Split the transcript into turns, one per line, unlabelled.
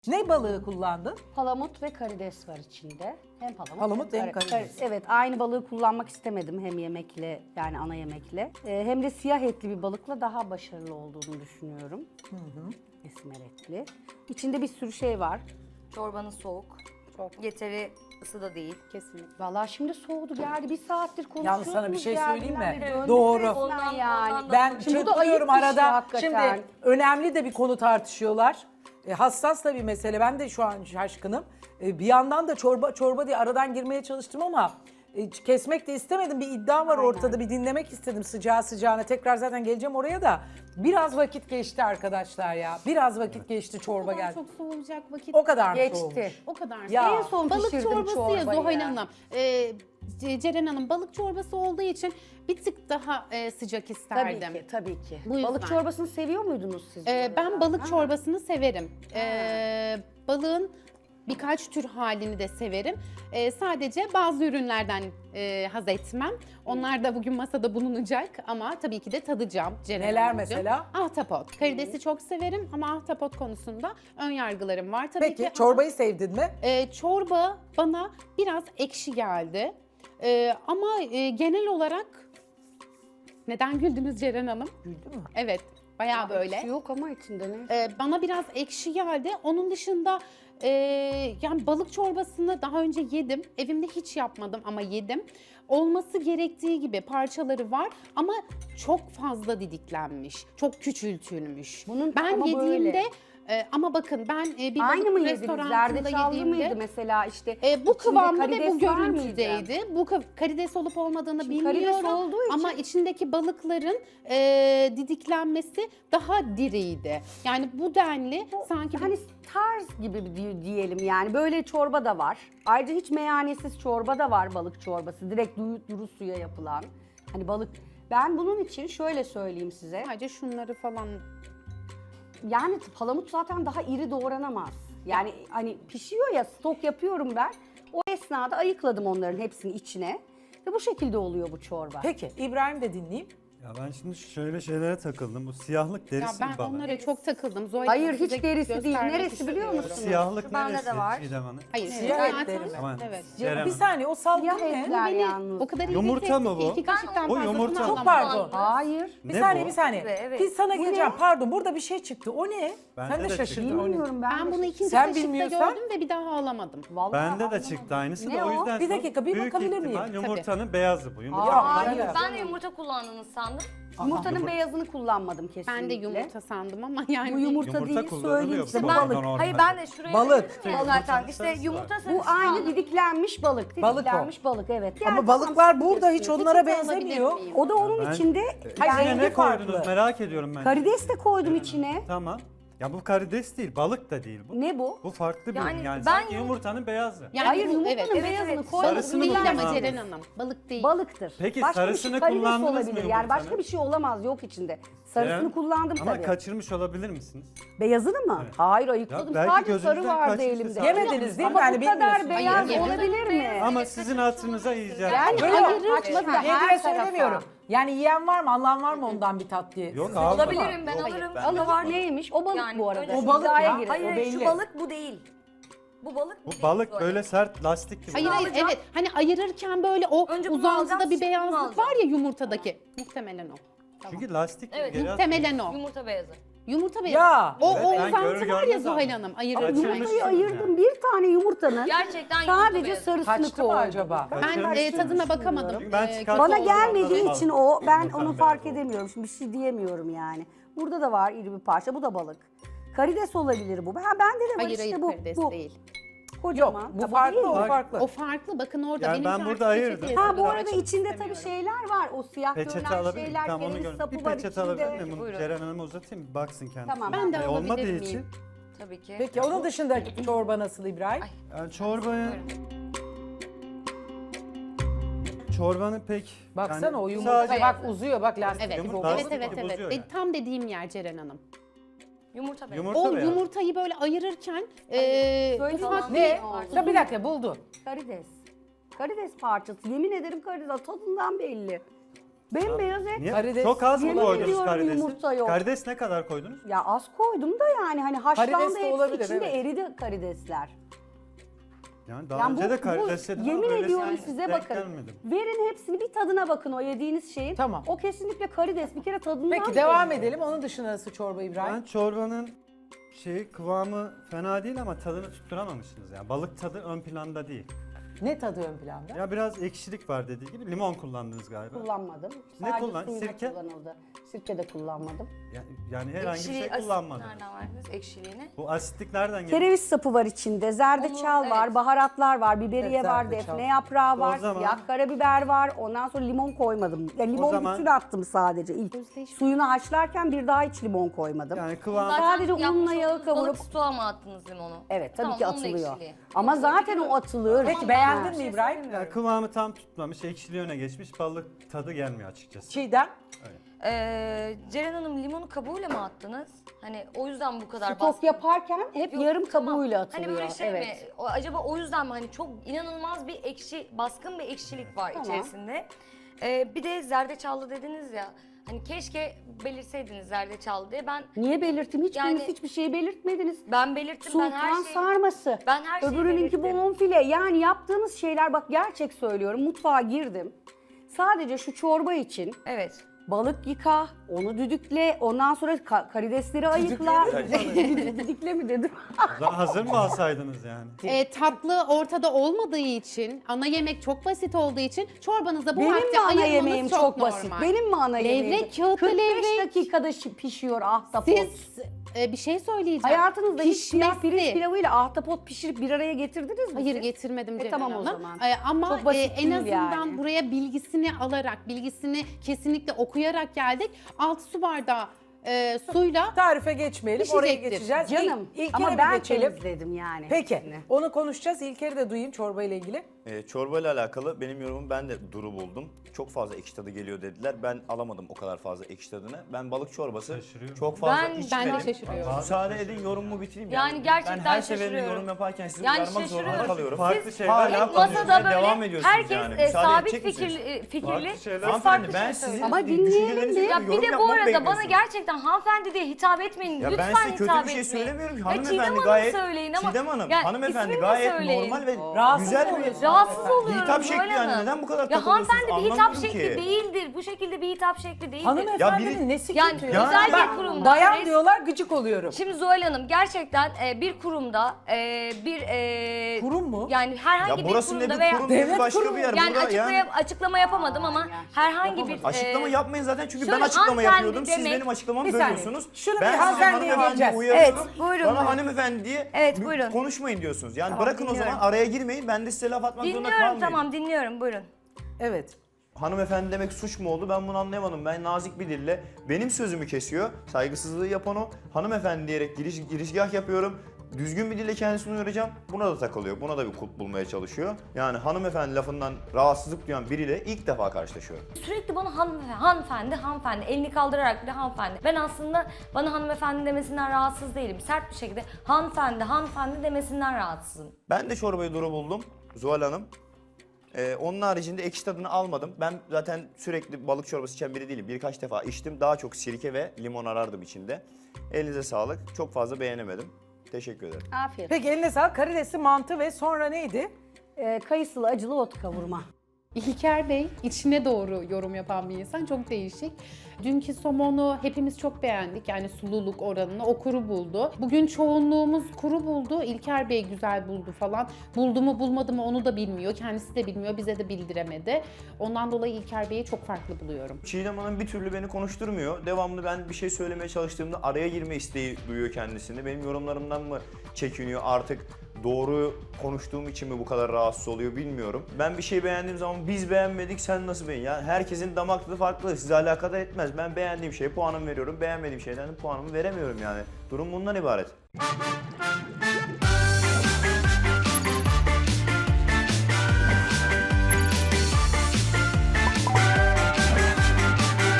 Ne balığı kullandın?
Palamut ve karides var içinde. Hem
Palamut hem karides.
Evet, aynı balığı kullanmak istemedim hem yemekle, yani ana yemekle. Hem de siyah etli bir balıkla daha başarılı olduğunu düşünüyorum. Esmer etli. İçinde bir sürü şey var.
Çorbanın soğuk. Yeteri ısıda değil.
Kesinlikle. Vallahi şimdi soğudu geldi. Bir saattir konuşuyoruz.
Yalnız sana bir şey söyleyeyim mi?
geldiğinden beri döndük
Doğru.
resmen
Ondan
yani.
Ben
Şimdi bu da
çırpınıyorum
ayıp bir şey
arada.
hakikaten.
Şimdi önemli de bir konu tartışıyorlar. Hassas da bir mesele. Ben de şu an şaşkınım. Bir yandan da çorba diye aradan girmeye çalıştım ama kesmek de istemedim. Bir iddia var ortada. Bir dinlemek istedim sıcağı sıcağına. Tekrar zaten geleceğim oraya da. Biraz vakit geçti arkadaşlar ya. Biraz vakit geçti çorba geldi.
Çok soğuyacak vakit
O kadar mı
Geçti.
soğumuş?
O kadar.
Ya.
En son
Balık
pişirdim
çorbası ya
çorbayı
Zuhal
ya.
Hanım. Ceren Hanım balık çorbası olduğu için bir tık daha sıcak
Tabii
isterdim.
ki, tabii ki.
Bu yüzden.
Balık çorbasını seviyor muydunuz siz?
Ben balık çorbasını severim. Balığın birkaç tür halini de severim. Sadece bazı ürünlerden haz etmem. Onlar da bugün masada bulunacak ama tabii ki de tadacağım. Ceren
Neler
Hanımcığım.
mesela?
Ahtapot. Karidesi çok severim ama ahtapot konusunda ön yargılarım var. Tabii
Peki
ki
çorbayı sevdin mi?
çorba bana biraz ekşi geldi. Ama genel olarak neden güldünüz Ceren Hanım?
Güldü mü?
Evet, bayağı böyle.
Yok ama içinde ne?
Bana biraz ekşi geldi. Onun dışında yani balık çorbasını daha önce yedim. Evimde hiç yapmadım ama yedim. Olması gerektiği gibi parçaları var ama çok fazla didiklenmiş. Çok küçültülmüş. Ben
ama
yediğimde
böyle.
ama bakın ben bir
Aynı
balık
mı yediniz?
restoranında
Zerdeçallı
yediğimde
mıydı mesela işte?
bu
içinde
kıvamda ve
karides
bu
var mıydı?
görüntüdeydi. Bu karides olup olmadığını
Şimdi karides
bilmiyorum
olduğu için-
ama içindeki balıkların didiklenmesi daha diriydi. Yani bu denli sanki
Hani tarz gibi diyelim yani. Böyle çorba da var. Ayrıca hiç meyanesiz çorba da var, balık çorbası. Direkt duru suya yapılan. Hani balık. Ben bunun için şöyle söyleyeyim size.
sadece şunları falan
Yani palamut zaten daha iri doğranamaz. Yani hani pişiyor ya, stok yapıyorum ben. O esnada ayıkladım onların hepsini içine. Ve bu şekilde oluyor bu çorba.
Peki İbrahim de dinleyeyim.
Ya ben şimdi şöyle şeylere takıldım. Bu siyahlık
ya
derisi
ben
mi bana?
onlara çok takıldım. Zuhal
Hayır,
Hanım,
hiç
size
derisi değil.
göstermek
Neresi biliyor
istiyorum.
musun?
Siyahlık
Bende
neresi
de var.
Çiğdem Hanım?
Hayır,
Siyah
zaten-
etleri mi?
Aman,
Evet.
Ceren
Bir
Hanım.
saniye o salgın
Siyah
ne?
etler
Beni
yalnız.
o kadar iyi
Yumurta
bir
mı bu?
İki kaşıktan
Bu
fazlasını
yumurta mı?
Çok
alamadım.
pardon.
Hayır.
Bir
Ne
saniye
bu?
bir saniye.
Evet.
Biz sana
Bu
geleceğim.
ne?
Pardon burada bir şey çıktı. O ne?
Bende
Sen de
de
şaşırdın.
çıktı.
O ne?
Bilmiyorum ben.
Ben bunu ikinci
Sen
kaşıkta
bilmiyorsan-
gördüm ve bir daha alamadım.
Vallahi
Bende de
anlamadım.
çıktı aynısı
Ne
da o
o?
yüzden
Bir
sonra
dakika, bir
büyük
bakabilir
ihtimal
miyim?
yumurtanın beyazı bu. Yumurta
Aa,
Hayır.
evet.
Ben de yumurta kullandığını sandım.
Yumurtanın beyazını kullanmadım kesinlikle.
Ben de yumurta sandım ama yani
Bu yumurta
Yumurta
değil,
kullanılıyor
söyleyeyim
bu
size. Bu
balıktan
balık.
normal.
Hayır ben de şuraya
Balık.
dedim ya zaten. İşte
sarısı
yumurta
var.
sarısı.
Bu aynı
sandım.
didiklenmiş balık.
Balık o.
Didiklenmiş balık evet.
Ama
Yani
balıklar
tamam,
burada hiç
biliyorsunuz.
onlara
Peçete alabilir
benzemiyor.
miyim?
O da onun
Ben-
içinde
Hayır,
İçine
rengi
ne
farklı.
koydunuz merak ediyorum ben.
karides de koydum içine.
Tamam. Ya bu karides değil, balık da değil bu.
Ne bu?
Bu farklı bir
Yani
ürün yani.
ben
sanki yumurtanın beyazı.
Yani
Hayır
bu-
yumurtanın
evet.
beyazını
evet.
koydum.
Sarısını
Değil ama
kullandınız.
Ceren Hanım. Balık değil.
Balıktır.
Peki,
başka
sarısını
bir şey, karides
kullandınız mı
olabilir. Yani
yumurtanın?
başka bir şey olamaz, yok içinde. Sarısını
Ceren,
kullandım
Ama
tabii.
kaçırmış olabilir misiniz?
Beyazını mı?
Evet.
Hayır ayıkladım.
Ya belki
Sadece sarı
gözünüzden
vardı
kaçmıştı
elimde.
sadece.
Yemediniz değil mi?
Ama
Yani
bu kadar
bilmiyorsunuz.
beyaz
Hayır,
olabilir mi?
Ama sizin hatırınıza yiyeceğim.
Yani
Böyle
ayırır
açmadı
da
da
her
diye
tarafa.
söylemiyorum. Yani yiyen var mı, alan var mı ondan bir tat diye.
Yok
Sizde
abi.
var mı?
Alabilirim ben
Yok,
alırım.
ben-
Allah var neymiş? O balık
Yani
bu arada.
öyle-
O balık
İddiaya
ya.
girelim.
Hayır
O belli.
şu balık bu değil. Bu balık bu
Bu
değil.
balık böyle sert lastik gibi.
Hayır hayır
alacağım.
evet. Hani ayırırken böyle o
Önce bunu
uzantıda
alacağım,
bir
şimdi bunu
beyazlık
alacağım.
var ya yumurtadaki. Muhtemelen o.
Çünkü lastik gibi
Evet,
geri
Muhtemelen o.
Yumurta beyazı.
Yumurta beyazı.
Ya.
O,
Evet,
o
ben
uzantı
görür
var ya
görmez
Zuhal
aldım.
Hanım.
Kaçırmış.
Ayırırken.
Yumurtayı ayırdım. Bir tane yumurtanın
Gerçekten yumurta
sadece
beyazı.
sarısını
Kaçtı mı
koydum.
acaba?
Ben tadına bakamadım.
Çünkü ben çıkarttım.
Bana
Oldu,
gelmediği
anladım.
için o, ben
Yumurtanın
onu fark
beyazı oldu.
edemiyorum. Şimdi bir şey diyemiyorum yani. Burada da var iri bir parça. Bu da balık. Karides olabilir bu. Ha bende de var
Hayır
işte
hayır
bu.
karides
bu.
değil.
Kocaman.
Yok bu
Ha,
farklı
değil
o
mi?
farklı.
O farklı. Bakın orada.
Yani
benim
ben
şu
burada
an
ayırdım.
peçeteye
Ha bu
sarılarak
arada
açmak
içinde tabii
istemiyorum.
şeyler var. O siyah
Peçete
görünen
alabilir miyim?
şeyler,
Tamam onu
kereviz
gördüm.
sapı
Bir
var
peçete alabilir
içinde.
miyim? Bunu
Buyurun.
Ceren Hanım'a uzatayım bir baksın kendisi.
Tamam.
Ben de
Yani
alabilir
olmadığı
miyim?
için
Tabii ki.
Peki onun dışındaki çorba nasıl İbrahim?
yani çorbanın pek
Baksana
yani
o yumurta
sadece-
bak uzuyor bak lastik
Evet,
gibi
Yumurta
oldu.
evet,
lastik
evet,
gibi
evet.
bozuyor yani.
Tam dediğim yer Ceren Hanım.
Yumurta beyazı.
Yumurta
O
beyaz.
yumurtayı böyle ayırırken
Böyle
ufak
falan
Ne?
değil.
Ya bir dakika buldu.
Karides. Karides parçası. Yemin ederim karides. Tadından belli. Bembeyaz et.
Niye?
Karides-
Çok az mı
Yemin
koydunuz
ediyorum
karidesi?
yumurta yok.
Karides ne kadar koydunuz?
Ya az koydum da yani hani haşlandı
Karides de
hepsi
olabilir,
içinde
evet.
eridi karidesler.
Yani daha
Yani
önce de karides yedim ama
yemin
böylesine
ediyorum size
denk
bakın.
gelmedim.
Verin hepsini bir tadına bakın o yediğiniz şeyin.
Tamam.
O kesinlikle karides. Bir kere tadından
Peki devam edelim. Onun dışında nasıl çorba İbrahim?
Ben çorbanın kıvamı fena değil ama tadını tutturamamışsınız yani. Balık tadı ön planda değil.
Ne tadı ön planda?
Ya biraz ekşilik var dediği gibi. Limon kullandınız galiba.
kullanmadım.
Ne
Sadece
kullan-
suyuna
sirke?
kullanıldı. Sirke de kullanmadım.
Yani herhangi bir şey
Ekşiliği,
kullanmadınız.
nereden verdiniz ekşiliğini?
Bu asitlik nereden geliyor?
Kereviz sapı var içinde, zerdeçal
Onu,
var,
evet.
baharatlar var, biberiye
Evet,
var,
zerdeçal.
defne yaprağı var,
O zaman-
siyah karabiber var. Ondan sonra limon koymadım. Ya limon
zaman-
bütün attım sadece. İlk suyunu haşlarken bir daha hiç limon koymadım.
Yani kıvam
Sadece
yapmış
unla yağı
olduğunuz
kavurup-
Balık stoğa mı attınız limonu?
Evet tabii
Tamam,
ki
onun
atılıyor.
ekşiliği.
Ama
Yoksa
zaten o atılır.
Peki beğendin mi İbrahim?
ya kıvamı tam tutmamış, ekşiliği öne geçmiş, balık tadı gelmiyor açıkçası.
Çiğdem?
Ceren Hanım limonu kabuğuyla mı attınız? Hani o yüzden bu kadar
Stok yaparken hep
Yok,
yarım
tamam.
kabuğuyla atılıyor.
Hani böyle şey
evet.
mi? Acaba o yüzden mi? Hani çok inanılmaz bir ekşi, baskın bir ekşilik var
Tamam.
içerisinde. Bir de zerdeçallı dediniz ya. Hani keşke belirseydiniz zerdeçallı diye.
Niye belirttim? Hiçbiriniz
Yani-
hiçbir şey belirtmediniz.
Ben belirttim. Ben her
Sultan
şeyi...
sarması.
Ben her şeyi
Öbürününki
belirttim.
bonfile. Yani yaptığınız şeyler bak gerçek söylüyorum. Mutfağa girdim. Sadece şu çorba için
Evet.
balık yıka, onu düdükle, ondan sonra karidesleri ayıkla. Düdükle mi dedim?
O zaman hazır mı alsaydınız yani?
Tatlı ortada olmadığı için, ana yemek çok basit olduğu için çorbanıza bu
Benim
vakti
mi ana
ayırmanız
yemeğim çok
normal.
basit? Benim mi ana
Levrek,
yemeğim?
kağıtlı
45
levrek.
dakikada pişiyor ahtapot.
Siz bir şey söyleyeceğim.
Hayatınızda hiç siyah
Pişmesi-
pirinç pilavıyla ahtapot pişirip bir araya getirdiniz mi?
Hayır
siz?
getirmedim Ceren
tamam o
Hanım.
zaman.
Ama
Çok basit
en
değil
azından
yani.
buraya bilgisini alarak, bilgisini kesinlikle okuyarak geldik. 6 su bardağı suyla
Tarife geçmeyelim. Oraya
Pişecektir.
geçeceğiz.
Canım
İlker'e
ama
bir
ben
geçelim.
temizledim yani.
Peki.
hepsini.
Onu konuşacağız. İlker'i de duyayım çorba ile ilgili.
Çorba ile alakalı benim yorumum, ben de duru buldum. Çok fazla ekşi tadı geliyor dediler. Ben alamadım o kadar fazla ekşi tadını. Ben balık çorbası
Şaşırıyorum.
çok fazla
Ben
içmedim.
de şaşırıyorum.
Müsaade edin yorumumu bitireyim.
Yani gerçekten
ben her seferinde
şaşırıyorum.
yorum yaparken sizi
Yani
uyarmak zorunda
şaşırıyorum.
kalıyorum.
Farklı şeyler
hala
yapmıyorsunuz.
konuşmaya
Masada
devam
böyle
ediyorsunuz
herkes
yani. Müsaade
sabit
edecek misiniz?
fikirli.
Farklı
Siz
şeyler.
farklı
Hanımefendi ben
şey
sizin
Ama
söylüyorsunuz.
dinleyelim
düşüncelerinize
de.
Ya
göre
bir
yorum
de bu
yapmamı
arada bana
bekliyorsunuz.
gerçekten hanımefendi diye hitap etmeyin.
Ya
Lütfen
ben size kötü
hitap
bir şey
etmeyin.
söylemiyorum ki.
Ya
Hanımefendi
Çiğdem Hanım
gayet,
söyleyin ama.
Çiğdem Hanım,
Ya
hanımefendi
ismini de
gayet
söyleyin.
normal ve
Rahatsız
güzel
mı
bir
oluyorsun?
Rahatsız oluyorum.
hitap şekli
Zuhal
yani.
Hanım.
Neden bu kadar
Ya
takılıyorsunuz
hanımefendi bir hitap
anlamıyorum
şekli
ki.
değildir. Bu şekilde bir hitap şekli değildir.
Hanımefendinin
Ya biri-
nesi
Yani
kötü?
özel bir
Bak,
kurumda
bayan
res-
diyorlar gıcık oluyorum.
Şimdi Zuhal Hanım gerçekten bir kurumda bir
Kurum mu?
yani herhangi
Ya
bir
burası ne
kurumda
bir
veya
kurum
Devlet
değil başka
kurumu.
bir yer.
yani
Burada
açıklama yapamadım ama herhangi bir
Açıklama yapmayın zaten çünkü ben
şöyle
açıklama
hanımefendi
yapıyordum. Siz
demek-
benim açıklamamı
Bir saniye.
bölüyorsunuz.
Şunu bir
Ben size
hanımefendiye
hanımefendiye
geleceğiz.
uyarıyorum.
Evet, buyurun,
Bana
buyurun.
hanımefendi diye
Evet, buyurun.
konuşmayın diyorsunuz. Yani
Tamam,
bırakın o
dinliyorum.
zaman araya girmeyin. Ben de size laf atmak zorunda
dinliyorum
kalmayayım.
tamam dinliyorum buyurun.
Evet.
Hanımefendi demek suç mu oldu? Ben bunu anlayamadım. Ben nazik bir dille benim sözümü kesiyor. Saygısızlığı yapan o. Hanımefendi diyerek girizgah yapıyorum. Düzgün bir dille kendisini uyaracağım. Buna da takılıyor. Buna da bir kulp bulmaya çalışıyor. Yani hanımefendi lafından rahatsızlık duyan biriyle ilk defa karşılaşıyorum.
Sürekli bana hanımefendi elini kaldırarak bile hanımefendi. Ben aslında bana hanımefendi demesinden rahatsız değilim. Sert bir şekilde hanımefendi demesinden rahatsızım.
Ben de çorbayı duru buldum Zuhal Hanım. Onun haricinde ekşi tadını almadım. Ben zaten sürekli balık çorbası içen biri değilim. Birkaç defa içtim. Daha çok sirke ve limon arardım içinde. Elinize sağlık. Çok fazla beğenemedim. Teşekkür ederim.
Afiyet.
Peki eline sağlık. Karidesli mantı ve sonra neydi?
Kayısılı acılı ot kavurma.
İlker Bey içine doğru yorum yapan bir insan, çok değişik. Dünkü somonu hepimiz çok beğendik, yani sululuk oranını o kuru buldu. Bugün çoğunluğumuz kuru buldu, İlker Bey güzel buldu falan. Buldu mu bulmadı mı onu da bilmiyor, kendisi de bilmiyor, bize de bildiremedi. Ondan dolayı İlker Bey'i çok farklı buluyorum.
Çiğdem Hanım bir türlü beni konuşturmuyor. Devamlı ben bir şey söylemeye çalıştığımda araya girme isteği duyuyor kendisini. Benim yorumlarımdan mı çekiniyor artık? Doğru konuştuğum için mi bu kadar rahatsız oluyor bilmiyorum. Ben bir şey beğendiğim zaman biz beğenmedik sen nasıl beğen? Yani herkesin damak tadı farklı. Size alakadar etmez. Ben beğendiğim şeye puanımı veriyorum. Beğenmediğim şeyden de puanımı veremiyorum yani. Durum bundan ibaret.